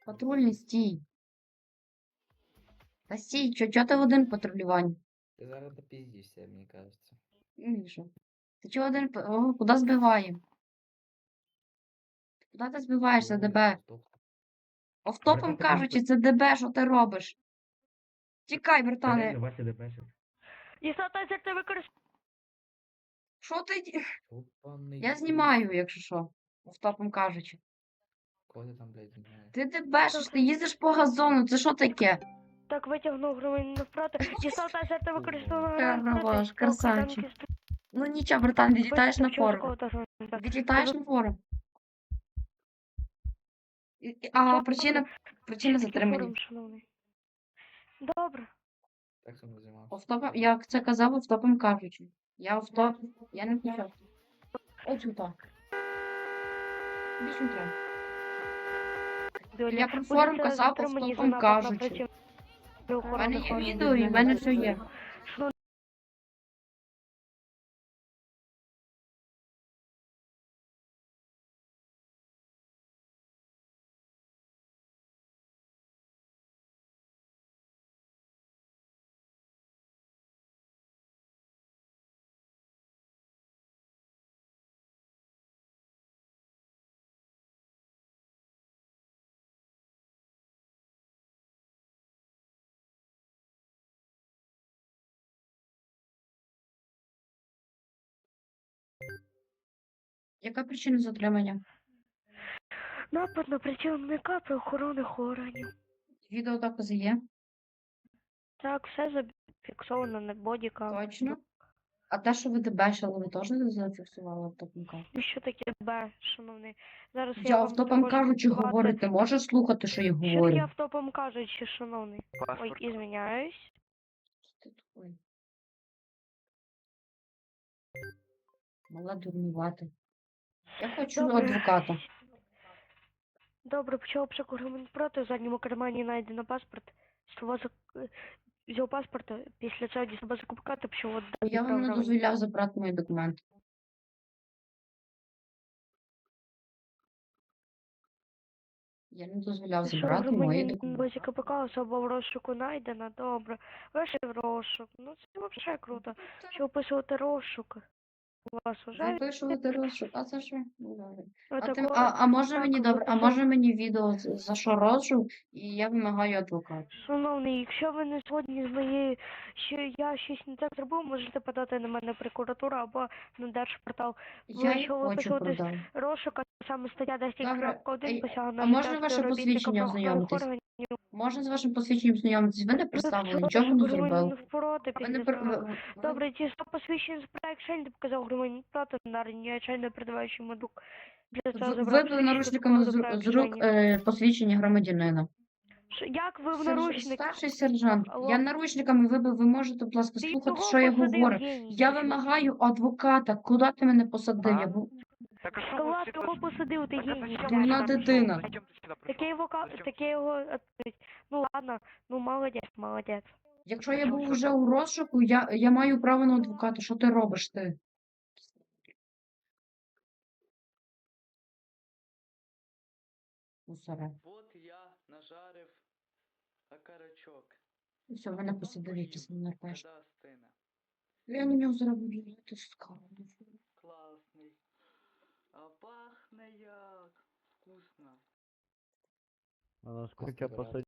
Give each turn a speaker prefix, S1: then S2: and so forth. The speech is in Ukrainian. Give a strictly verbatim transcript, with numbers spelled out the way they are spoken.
S1: Патрульний, стій. Та стій, чо, чо ти один в патрулюванні?
S2: Ти зараз допіздишся, мені кажеться.
S1: Ну, і що? Ти чого один? п- О, куди збиваємо? Куди ти збиваєшся,
S2: Ой,
S1: ДБ?
S2: стоп.
S1: Офтопом кажучи, це ДБ, що ти робиш? Тікай, братане.
S3: Вася ДБшить.
S4: Дістатися це використовує.
S1: Що ти? ді-
S2: Опаний.
S1: Я
S2: хуй.
S1: знімаю, якщо що. Офтопом кажучи.
S2: Кого ти там, блядь, знімаєш?
S1: Ти ДБшиш, ти їздиш по газону, це що таке?
S4: Так витягнув громадянина навпроти. Дістатися це використовує.
S1: Хорош, красавчик. Ну нічого, братан, відлітаєш на форум. Відлітаєш на форум. І- і- А причина, причина затримання.
S4: Добре.
S2: Так само займався.
S1: Офтопом, я це казав офтопом кажучи. Я офтоп, я не включав. Ось так. Більше не треба. Я про форум казав офтопом кажучи. У мене є відео і в мене все є. Яка причина затримання?
S4: Напад на працівника правоохоронних органів.
S1: Відеодокази є?
S4: Так, все зафіксовано на бодікам.
S1: Точно. А те, що ви дебешили, ви теж не зафіксували автопом кажучи?
S4: І що таке Б, шановний? Зараз я,
S1: Я
S4: вам
S1: автопом
S4: також
S1: кажучи
S4: сказати-
S1: говорю, ти можеш слухати, що я
S4: Що таке
S1: говорю?
S4: автопом кажучи, шановний? Ой, ізвиняюсь.
S1: Ти тупий. Мала дурнувати. Я хочу
S4: Добре.
S1: адвоката.
S4: Добре, почав обшук громадян проти, в задньому кармані знайдено паспорт. Слова зак... Взяв паспорт, після цього дістав закупка та почав віддати
S1: Я вам не
S4: програмі.
S1: дозволяв забрати мої документи. Я не дозволяв
S4: Що,
S1: забрати мої
S4: громадянин
S1: документи.
S4: базі КПК, особа в розшуку знайдена, добре. Вийшли в розшук. Ну це взагалі круто. Що описувати розшук? У вас вже
S1: Запишувати розшук, а це що? Ну, добре. А, ти,
S4: такого-
S1: а, а може
S4: так,
S1: мені добре, а
S4: виписав-
S1: може мені відео з- за що розшук, і я вимагаю адвоката.
S4: Шановний, якщо ви не згодні з моєю, що я щось не так зробив, можете подати на мене прокуратуру або на Держпортал.
S1: Я
S4: Ви
S1: й
S4: що
S1: хочу
S4: виписувати
S1: продати.
S4: розшук, а саме стаття
S1: Добре,
S4: десять крапка
S1: а й-
S4: один посягає на
S1: а можна
S4: життя
S1: ваше
S4: співробітника
S1: посвідчення
S4: правоохоронних
S1: ознайомитись?
S4: органів.
S1: Можна з вашим посвідченням знайомитись? Ви не представили, нічого не зробили.
S4: Впроти,
S1: Ви не
S4: після
S1: пер-
S4: цього.
S1: ви- ви-
S4: Добре, ті сто посвідчень з проекту не показав громадянин проти на речайно передаваючи медук. Для цього
S1: ви-
S4: забрав
S1: Вибив
S4: посвідчення
S1: наручниками з,
S4: до
S1: ру- з рук
S4: проекту.
S1: е, посвідчення громадянина.
S4: Ш- Як ви в
S1: Серж-
S4: наручник?
S1: Старший сержант,
S4: Алло.
S1: я наручниками вибив, ви можете, будь ласка,
S4: Ти
S1: слухати,
S4: його
S1: що я
S4: посадив,
S1: говорю.
S4: геній.
S1: Я вимагаю адвоката. Куди ти мене посадив?
S5: А?
S1: Я був
S5: Так а що
S4: Та
S5: ви
S4: ладно,
S5: всі
S4: його
S5: пос-
S4: посадив, ти
S5: Так а
S4: геній.
S5: зачем
S1: Дурна
S5: он сюда
S1: дитина.
S5: пришел? Зачем ты сюда
S4: Таке
S5: пришел?
S4: його, ка-
S5: Зачем?
S4: таке його, відповідь. Ну ладно, ну молодець, молодець.
S1: Якщо я
S5: Зачем
S1: був
S5: що
S1: вже
S5: ти?
S1: у розшуку, я, я маю право на адвоката. Що ти робиш ти? Мусоре.
S6: Вот я нажарив окорочок.
S1: І все, мене посадив якийсь ненарпеш.
S6: Когда стине.
S1: Я на нього зараз буду лити скарбу.
S6: Класний. А пахне як. Вкусно.
S3: А
S2: Хоча посадять.